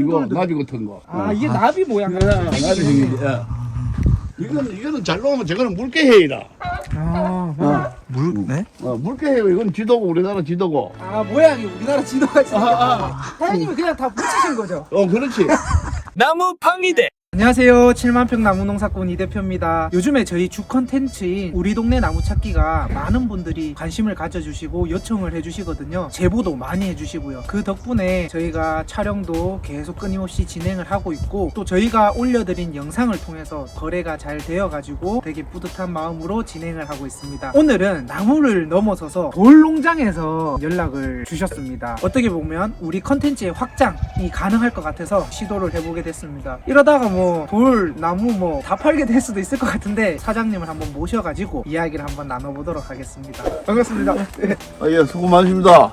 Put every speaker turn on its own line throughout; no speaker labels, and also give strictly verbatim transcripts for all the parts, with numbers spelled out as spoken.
이거
돌들.
나비 같은 거.
아 이게 나비 모양.
예, 나비 생긴 게. 예. 이거는 이거는 잘 나오면 저거는 물개해이라.
아,
어,
물, 네?
어 물개해요. 이건 지도고 우리나라 지도고.
아 모양이 우리나라 지도같이.
아, 아.
사장님이 그냥 다 붙이신 거죠?
어 그렇지.
나무 팡이대.
안녕하세요. 칠만 평 나무농사꾼 이 대표입니다. 요즘에 저희 주 컨텐츠인 우리 동네 나무 찾기가 많은 분들이 관심을 가져주시고 요청을 해주시거든요. 제보도 많이 해주시고요. 그 덕분에 저희가 촬영도 계속 끊임없이 진행을 하고 있고, 또 저희가 올려드린 영상을 통해서 거래가 잘 되어가지고 되게 뿌듯한 마음으로 진행을 하고 있습니다. 오늘은 나무를 넘어서서 돌농장에서 연락을 주셨습니다. 어떻게 보면 우리 컨텐츠의 확장이 가능할 것 같아서 시도를 해보게 됐습니다. 이러다가 뭐 돌, 나무 뭐 다 팔게 될 수도 있을 것 같은데 사장님을 한번 모셔가지고 이야기를 한번 나눠보도록 하겠습니다. 반갑습니다. 네.
아, 예, 수고 많으십니다.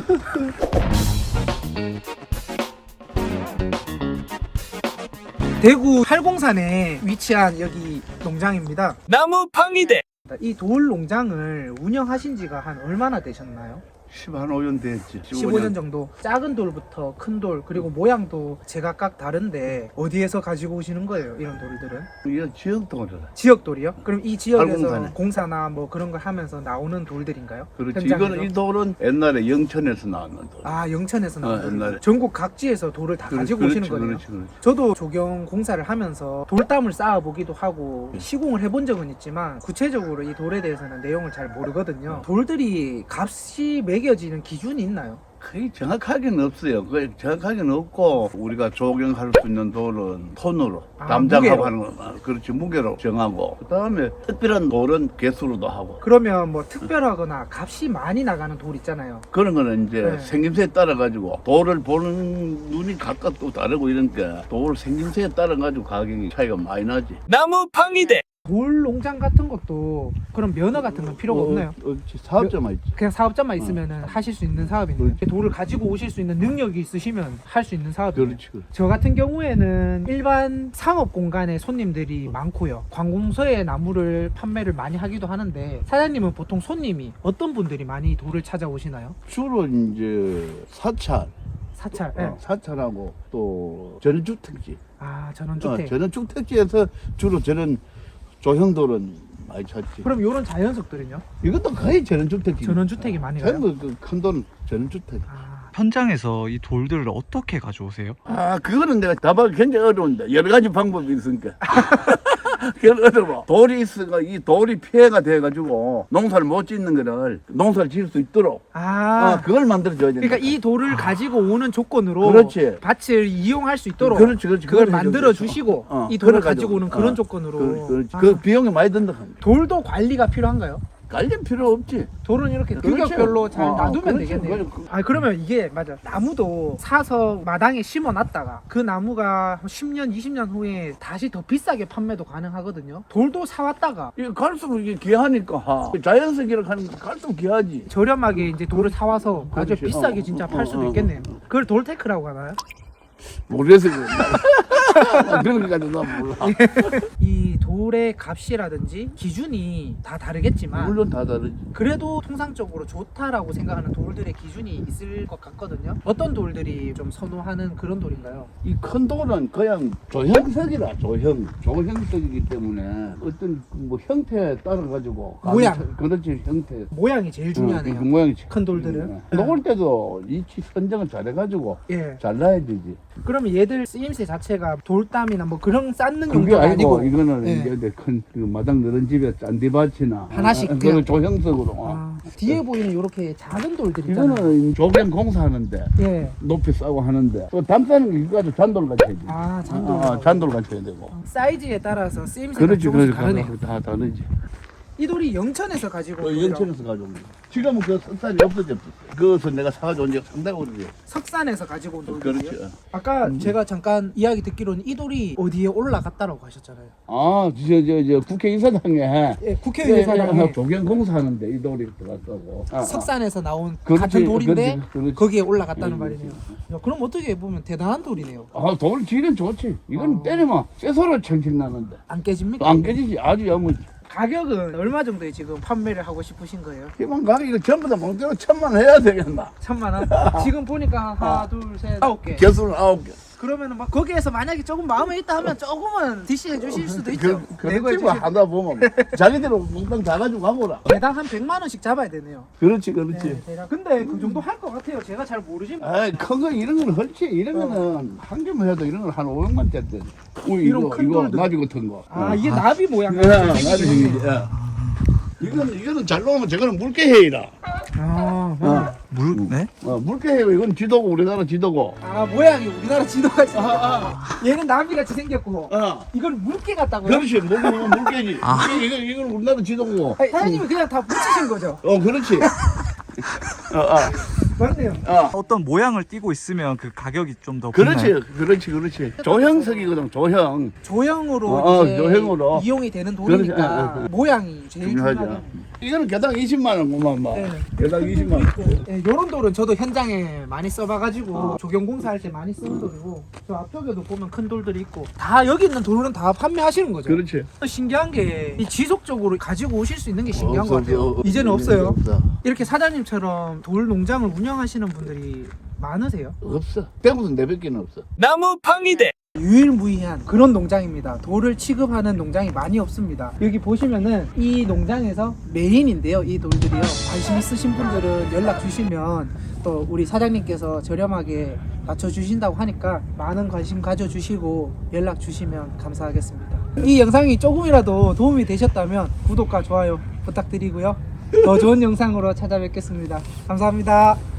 대구 팔공산에 위치한 여기 농장입니다.
나무 팡이대.
이 돌 농장을 운영하신 지가 한 얼마나 되셨나요?
십한 오 년 됐지.
십오 년 정도. 작은 돌부터 큰 돌, 그리고 모양도 제각각 다른데 어디에서 가지고 오시는 거예요, 이런 돌들은?
이거 지역동이라.
지역 돌이요? 그럼 이 지역에서
팔공산에.
공사나 뭐 그런 걸 하면서 나오는 돌들인가요?
그렇지.
현장에서?
이거는 이 돌은 옛날에 영천에서 나왔는 돌.
아, 영천에서 나온
어,
돌.
옛날에.
전국 각지에서 돌을 다
그렇-
가지고
그렇지,
오시는 거네요.
그렇지, 그렇지.
저도 조경 공사를 하면서 돌담을 쌓아보기도 하고 시공을 해본 적은 있지만 구체적으로 이 돌에 대해서는 내용을 잘 모르거든요. 돌들이 값이 매겨지는 기준이 있나요?
거의 정확하게는 없어요. 거의 정확하게는 없고, 우리가 조경할 수 있는 돌은 톤으로,
아,
담장하고
무게로.
하는 거, 아, 그렇지, 무게로 정하고, 그 다음에 특별한 돌은 개수로도 하고,
그러면 뭐 특별하거나 값이 많이 나가는 돌 있잖아요.
그런 거는 이제
네.
생김새에 따라가지고, 돌을 보는 눈이 각각 또 다르고 이러니까, 돌 생김새에 따라가지고 가격이 차이가 많이 나지.
나무 팡이대.
돌 농장 같은 것도 그런 면허 같은 건 필요가 없나요?
어, 어, 사업자만 있지.
그냥 사업자만 있으면 하실 수 있는 사업인데
그렇지.
돌을 가지고 오실 수 있는 능력이 있으시면 할 수 있는 사업이에요.
그렇지, 그렇지.
저 같은 경우에는 일반 상업 공간에 손님들이 많고요. 관공서에 나무를 판매를 많이 하기도 하는데, 사장님은 보통 손님이 어떤 분들이 많이 돌을 찾아오시나요?
주로 이제 사찰,
사찰.
어, 사찰하고 또 전원주택지.
아,
어,
전원주택.
전원주택지에서 주로 저런 조형돌은 많이 찾지.
그럼 이런 자연석들은요?
이것도 거의 전원주택지.
전원주택이 많이 가요?
전부 그큰 돌은 전원주택.
아,
현장에서 이 돌들을 어떻게 가져오세요?
아, 그거는 내가 답하기 굉장히 어려운데. 여러 가지 방법이 있으니까. 그건 어려워. 돌이 있으니까 이 돌이 피해가 돼가지고 농사를 못 짓는 거를 농사를 지을 수 있도록.
아,
아, 그걸 만들어줘야 돼.
그러니까 이 돌을 가지고 오는 조건으로
그렇지.
밭을 이용할 수 있도록
그렇지, 그렇지.
그걸
그걸
만들어
해줘야죠.
주시고
어,
이 돌을
그래
가지고 오는
가지고.
그런
어,
조건으로.
그, 그렇지.
아,
그 비용이 많이 든다.
돌도 관리가 필요한가요?
깔릴 필요 없지.
돌은 이렇게
그렇죠.
규격별로 잘
어,
놔두면
그렇죠.
되겠네요.
그래, 그-
아, 그러면 이게 맞아. 나무도 사서 마당에 심어 놨다가 그 나무가 십 년, 이십 년 후에 다시 더 비싸게 판매도 가능하거든요. 돌도 사왔다가
이게 갈수록 이게 귀하니까. 자연석이라 하는 거 갈수록 귀하지.
저렴하게 이제 돌을 사와서 아주
그렇지.
비싸게
어,
진짜
어,
팔 수도
어, 어.
있겠네요. 그걸 돌테크라고 하나요?
모르겠어. 그런 거 가지고 난 몰라.
이 돌의 값이라든지 기준이 다 다르겠지만
물론 다 다르지.
그래도 통상적으로 좋다라고 생각하는 돌들의 기준이 있을 것 같거든요. 어떤 돌들이 좀 선호하는 그런 돌인가요?
이 큰 돌은 그냥 조형석이라 조형 조형석이기 때문에 어떤 뭐 형태에 따라 가지고
모양.
그렇지 형태.
모양이 제일 중요하네요.
그 모양이
큰 돌들은.
네. 놓을 때도 위치 선정을 잘해가지고
예.
잘라야 되지.
그러면 얘들 쓰임새 자체가 돌담이나 뭐 그런 쌓는
그게
용도가
아니고,
아니고.
이거는
예.
이제 큰 그 마당 너른 집에 짠디밭이나
하나씩
아,
그냥.
그런 조형석으로.
아, 뒤에 보이는 이렇게 작은 돌들 있잖아요.
이거는 조경 공사하는데
예.
높이 싸고 하는데 또 담싸는 게 이거 가지고 잔돌 같이 해야지.
아, 잔돌.
아, 잔돌 같이 해야 되고.
사이즈에 따라서 쓰임새가
그렇지,
조금씩
그렇지.
다르네요.
다 다르지.
이 돌이 영천에서 가지고
그
온 돌이라고.
연천에서 가져온 거. 지금은 그 석살이 없어졌어. 그것을 내가 사가지고 온 지가 상당히 오래돼요.
석산에서 가지고 온 돌이요.
그렇지.
아까
음.
제가 잠깐 이야기 듣기로는 이 돌이 어디에 올라갔다라고 하셨잖아요.
아, 저, 저, 저, 국회의사당에.
예, 국회의사당에
조경 공사하는데 이 돌이 들어갔다고. 아, 아.
석산에서 나온
그렇지,
같은 돌인데
그렇지, 그렇지.
거기에 올라갔다는
음,
말이네요. 야, 그럼 어떻게 보면 대단한 돌이네요.
아, 돌 질은 좋지. 이건
아.
때리면 쇠소리 청청 나는데.
안 깨집니까?
안 깨지지. 아주 야무지.
가격은 얼마 정도에 지금 판매를 하고 싶으신 거예요?
이만 가격 이거 전부 다 몽대로 천만 원 해야 되겠나?
천만 원? 지금 보니까 하나, 둘, 셋, 아홉 개.
개수는 아홉 개.
그러면은 막 거기에서 만약에 조금 마음에 있다 하면 조금은 디시해 주실 수도 있죠.
그,
내고해
그렇지 뭐
주실
하다 보면 자기대로 몽땅 다 가지고 가보라.
대당 한 백만 원씩 잡아야 되네요.
그렇지 그렇지.
네, 대략. 근데 그 정도 할 것 같아요. 제가 잘 모르지만.
아이 큰거 이런 거는 헐지 이런
어.
거는 한 개만 해도 이런 건 한 오백만짜리. 우리
이런
이거
큰
이거
돌들.
나비 같은 거.
아 이게 나비 모양.
예, 나비 생기지. 예. 이거는 이거는 잘 놓으면 저거는 물개해이라.
아,
어,
물, 네?
어 물개해요. 이건 지도고 우리나라 지도고.
아 모양이 우리나라 지도같이
아,
생겼고 얘는 나비같이 생겼고
어.
이건 물개 같다고요?
그렇지 물 물개지. 물개 이거 이건 우리나라 지도고.
아니, 사장님이 그냥 다 붙이신 거죠?
어 그렇지. 어, 어,
맞네요.
어.
어떤 모양을 띠고 있으면 그 가격이 좀 더
그렇지, 그렇지, 그렇지. 조형석이거든, 조형.
조형으로
어,
이제
조형으로.
이용이 되는
그렇지,
돌이니까
어, 어, 어.
모양이 제일
중요하죠.
중요하죠.
이거는 개당 이십만 원, 그만 막.
네.
개당 이십만 원.
네, 요런 돌은 저도 현장에 많이 써봐가지고 조경공사 할 때 많이 쓰는 돌이고 저 앞쪽에도 보면 큰 돌들이 있고 다 여기 있는 돌은 다 판매하시는 거죠?
그렇지.
신기한 게 이 지속적으로 가지고 오실 수 있는 게 신기한
없어,
것 같아요.
없어,
이제는
없어,
없어요.
없어.
이렇게 사장님처럼 돌 농장을 운영하시는 분들이 많으세요?
없어. 대구는 네백 개는 없어.
나무 팡이대.
유일무이한 그런 농장입니다. 돌을 취급하는 농장이 많이 없습니다. 여기 보시면은 이 농장에서 메인인데요. 이 돌들이요. 관심 있으신 분들은 연락 주시면 또 우리 사장님께서 저렴하게 맞춰주신다고 하니까 많은 관심 가져주시고 연락 주시면 감사하겠습니다. 이 영상이 조금이라도 도움이 되셨다면 구독과 좋아요 부탁드리고요. 더 좋은 영상으로 찾아뵙겠습니다. 감사합니다.